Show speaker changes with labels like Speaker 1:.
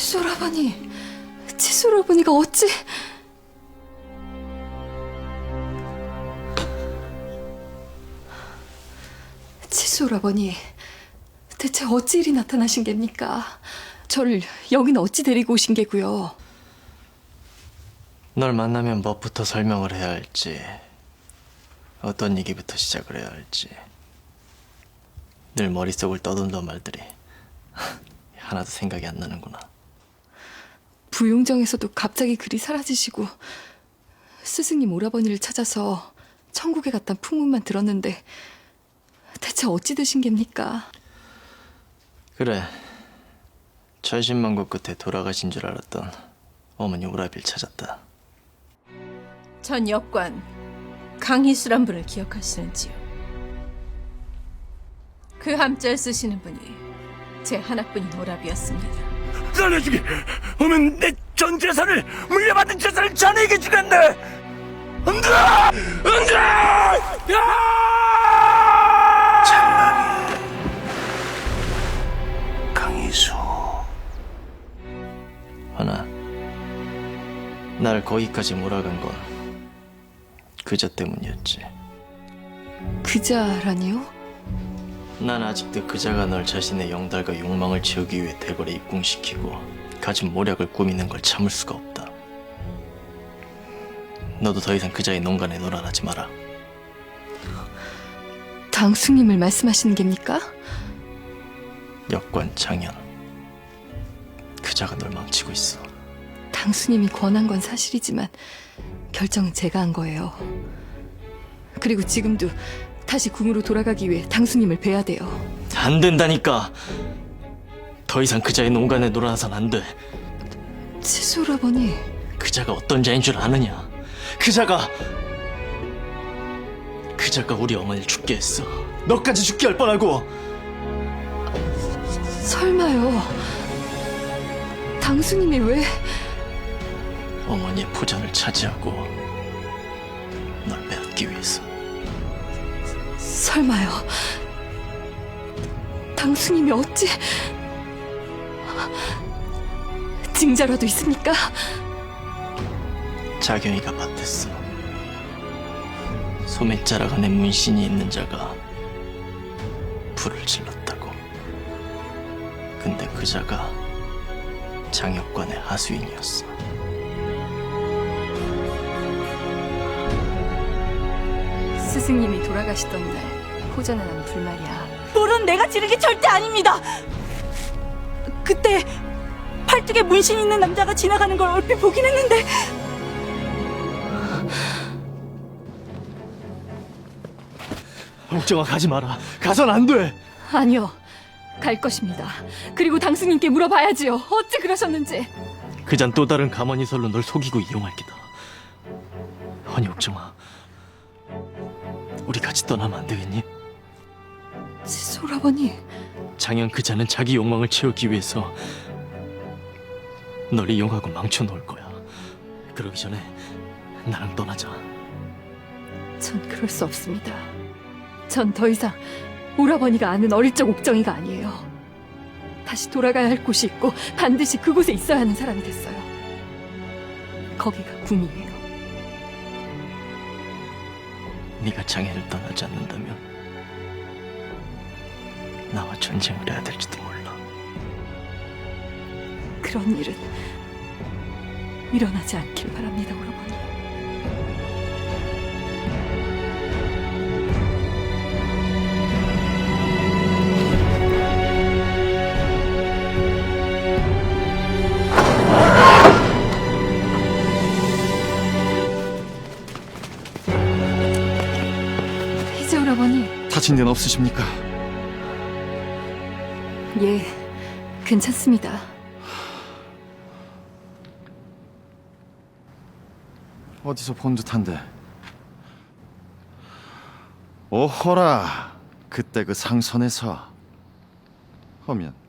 Speaker 1: 칫솔아버니, 칫솔아버니가 어찌... 칫솔아버니, 대체 어찌 일이 나타나신 geb니까? 저를 여기는 어찌 데리고 오신 게고요?
Speaker 2: 널 만나면 뭐부터 설명을 해야 할지, 어떤 얘기부터 시작을 해야 할지 늘 머릿속을 떠돈던 말들이 하나도 생각이 안 나는구나.
Speaker 1: 부용정에서도 갑자기 그리 사라지시고 스승님 오라버니를 찾아서 천국에 갔단 풍문만 들었는데 대체 어찌 되신 geb니까?
Speaker 2: 그래, 천신만고 끝에 돌아가신 줄 알았던 어머니 오라비를 찾았다.
Speaker 3: 전 역관 강희수란 분을 기억하시는지요? 그 함자를 쓰시는 분이 제 하나뿐인 오라비였습니다.
Speaker 4: 너네 중에 오면 내 전 재산을, 물려받은 재산을 자네에게 주겠네. 안돼, 안돼. 장막이 강희수.
Speaker 2: 허나 날 거기까지 몰아간 건 그저 때문이었지.
Speaker 1: 그자라니요?
Speaker 2: 난 아직도 그자가 널 자신의 영달과 욕망을 채우기 위해 대궐에 입궁시키고 가진 모략을 꾸미는 걸 참을 수가 없다. 너도 더 이상 그자의 농간에 놀아나지 마라.
Speaker 1: 당수님을 말씀하시는 geb니까?
Speaker 2: 역관 장현, 그자가 널 망치고 있어.
Speaker 1: 당수님이 권한 건 사실이지만 결정은 제가 한 거예요. 그리고 지금도 다시 궁으로 돌아가기 위해 당수님을 뵈야 돼요.
Speaker 2: 안 된다니까. 더 이상 그자의 농간에 놀아나선 안 돼.
Speaker 1: 칫솔아버니,
Speaker 2: 그자가 어떤 자인 줄 아느냐? 그자가 우리 어머니를 죽게 했어. 너까지 죽게 할 뻔하고.
Speaker 1: 설마요. 당수님이 왜...
Speaker 2: 어머니의 포전을 차지하고 널 빼앗기 위해서.
Speaker 1: 설마요. 당수님이 어찌... 증자라도 있습니까?
Speaker 2: 자경이가 밭했어. 소매자락 안에 문신이 있는 자가 불을 질렀다고. 근데 그 자가 장역관의 하수인이었어.
Speaker 1: 스승님이 돌아가시던 날 포전에 난 불말이야.
Speaker 5: 물은 내가 지른 게 절대 아닙니다. 그때 팔뚝에 문신 있는 남자가 지나가는 걸 얼핏 보긴 했는데
Speaker 2: 옥정아, 가지 마라. 가선 안 돼.
Speaker 1: 아니요. 갈 것입니다. 그리고 당수님께 물어봐야지요. 어찌 그러셨는지.
Speaker 2: 그잔 또 다른 가만히설로 널 속이고 이용할 게다. 아니 옥정아, 우리 같이 떠나면 안 되겠니?
Speaker 1: 칫솔아버니,
Speaker 2: 장현 그자는 자기 욕망을 채우기 위해서 널 이용하고 망쳐놓을 거야. 그러기 전에 나랑 떠나자.
Speaker 1: 전 그럴 수 없습니다. 전 더 이상 오라버니가 아는 어릴 적 옥정이가 아니에요. 다시 돌아가야 할 곳이 있고 반드시 그곳에 있어야 하는 사람이 됐어요. 거기가 궁이에요.
Speaker 2: 네가 장현을 떠나지 않는다면 나와 전쟁을 해야 될지도 몰라.
Speaker 1: 그런 일은 일어나지 않길 바랍니다, 오라버니. 이제 오라버니.
Speaker 6: 다친 데는 없으십니까?
Speaker 1: 예, 괜찮습니다.
Speaker 6: 어디서 본 듯한데. 오호라, 그때 그 상선에서. 하면